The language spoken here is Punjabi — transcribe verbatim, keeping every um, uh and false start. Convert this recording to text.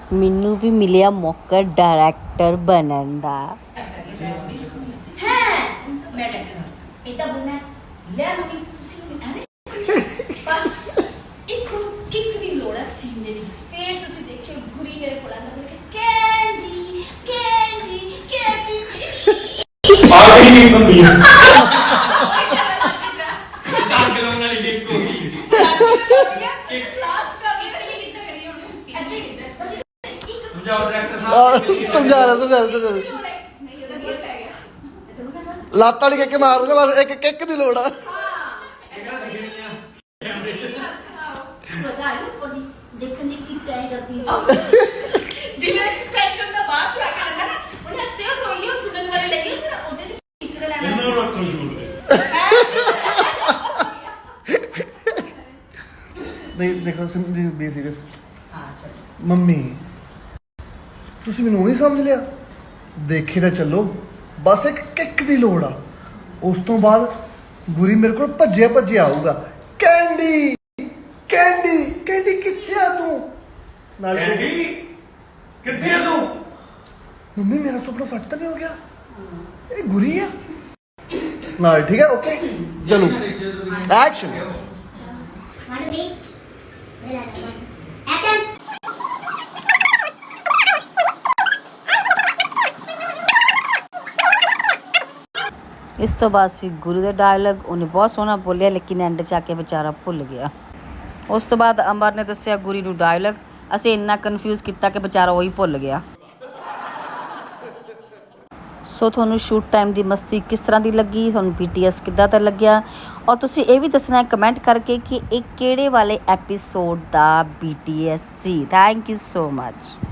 ਮੈਨੂੰ ਵੀ ਮਿਲਿਆ ਮੌਕਾ ਡਾਇਰੈਕਟਰ ਬਣਨ ਦਾ। ਹੈ ਮੈਂ ਟੱਕਰ ਇਹ ਤਾਂ ਬੁਨਾ ਲੈ ਲੂਗੀ ਤੁਸੀਂ ਮੈਨੂੰ ਐਵੇਂ ਬਸ ਇੱਕ ਕਿੱਕ ਦੀ ਲੋੜ ਹੈ ਸੀਨ ਦੇ ਵਿੱਚ। ਫੇਰ ਤੁਸੀਂ ਦੇਖਿਓ ਗੁਰੀ ਮੇਰੇ ਕੋਲ ਆਂਦਾ ਬੋਲੇ ਕੈਂਜੀ ਕੈਂਜੀ ਕੈਂਜੀ ਆ ਗਈ ਨਹੀਂ ਹੁੰਦੀ ਆ ਡੱਗ ਲਾਉਣ ਵਾਲੀ ਕਿੱਕ ਹੋ ਗਈ ਕਿੱਕ ਲਾਸਟ ਕਰ ਗਈ ਕਰੀ ਕਿੱਦਾਂ ਕਰੀ ਹੁਣ ਅੱਧੇ ਕਿੱਦਾਂ ਸਮਝਾਓ ਡਾਇਰੈਕਟਰ ਸਾਹਿਬ ਸਮਝਾ ਰਿਹਾ ਸਮਝਾ ਰਿਹਾ ਨਹੀਂ ਉਹਦਾ ਗੇਰ ਪੈ ਗਿਆ ਲੱਤ ਵਾਲੀ ਕਿੱਕ ਮਾਰ ਦੇ ਬਸ ਇੱਕ ਕਿੱਕ ਦੀ ਲੋੜ ਆ। ਪਤਾ ਹੈ ਕੋਡੀ ਦੇਖਣ ਦੀ ਕੀ ਟਾਈ ਕਰਦੀ ਹੈ ਜਿਵੇਂ ਐਕਸਪ੍ਰੈਸ਼ਨ ਦਾ ਬਾਅਦ ਚ ਆ ਕੇ ਆਂਦਾ ਨਾ ਉਹਨੇ ਹੱਸੇ ਉਹ ਰੋਈ ਉਹ ਸੁਣਨ ਵਾਲੇ ਲੱਗੇ ਫਿਰ ਉਹਦੇ ਤੇ ਕਿੱਕ ਦਾ ਲੈਣਾ ਇਹਨੂੰ ਰੱਖੋ ਸ਼ੂਟ ਦੇ ਨਹੀਂ ਦੇਖੋ ਸੁਣ ਬੀ ਸੀਰੀਅਸ। ਹਾਂ ਚਲ ਮੰਮੀ ਤੁਸੀਂ ਮੈਨੂੰ ਉਹੀ ਸਮਝ ਲਿਆ। ਦੇਖੀ ਤਾਂ ਚੱਲੋ ਬਸ ਇੱਕ ਕਿੱਕ ਦੀ ਲੋੜ ਆ। ਉਸ ਤੋਂ ਬਾਅਦ ਗੁਰੀ ਮੇਰੇ ਕੋਲ ਭੱਜਿਆ ਭੱਜਿਆ ਆਊਗਾ ਕੈਂਡੀ ਕੈਂਡੀ ਕੈਂਡੀ ਕਿੱਥੇ ਆ ਤੂੰ ਨਾਲ ਕੈਂਡੀ ਕਿੱਥੇ ਆ ਤੂੰ? ਮੰਮੀ ਮੇਰਾ ਸੁਪਨਾ ਸੱਚ ਤਾਂ ਨਹੀਂ ਹੋ ਗਿਆ ਇਹ ਗੁਰੀ ਆ ਨਾਲ ਠੀਕ ਹੈ ਓਕੇ ਚਲੋ action One, two, three. Action! ਇਸ ਤੋਂ ਬਾਅਦ ਸੀ ਗੁਰੂ ਦਾ ਡਾਇਲੌਗ। ਉਹਨੇ ਬਹੁਤ ਸੋਹਣਾ ਬੋਲਿਆ ਲੇਕਿਨ ਐਂਡ 'ਚ ਆ ਕੇ ਵਿਚਾਰਾ ਭੁੱਲ ਗਿਆ। ਉਸ ਤੋਂ ਬਾਅਦ ਅੰਬਰ ਨੇ ਦੱਸਿਆ ਗੁਰੀ ਨੂੰ ਡਾਇਲੌਗ। ਅਸੀਂ ਇੰਨਾ ਕਨਫਿਊਜ਼ ਕੀਤਾ ਕਿ ਵਿਚਾਰਾ ਉਹੀ ਭੁੱਲ ਗਿਆ। ਸੋ ਤੁਹਾਨੂੰ ਸ਼ੂਟ ਟਾਈਮ ਦੀ ਮਸਤੀ ਕਿਸ ਤਰ੍ਹਾਂ ਦੀ ਲੱਗੀ, ਤੁਹਾਨੂੰ ਪੀ ਟੀ ਐਸ ਕਿੱਦਾਂ ਦਾ ਲੱਗਿਆ, ਔਰ ਤੁਸੀਂ ਇਹ ਵੀ ਦੱਸਣਾ ਕਮੈਂਟ ਕਰਕੇ ਕਿ ਇਹ ਕਿਹੜੇ ਵਾਲੇ ਐਪੀਸੋਡ ਦਾ ਬੀ ਟੀ ਐਸ ਸੀ। Thank you so much.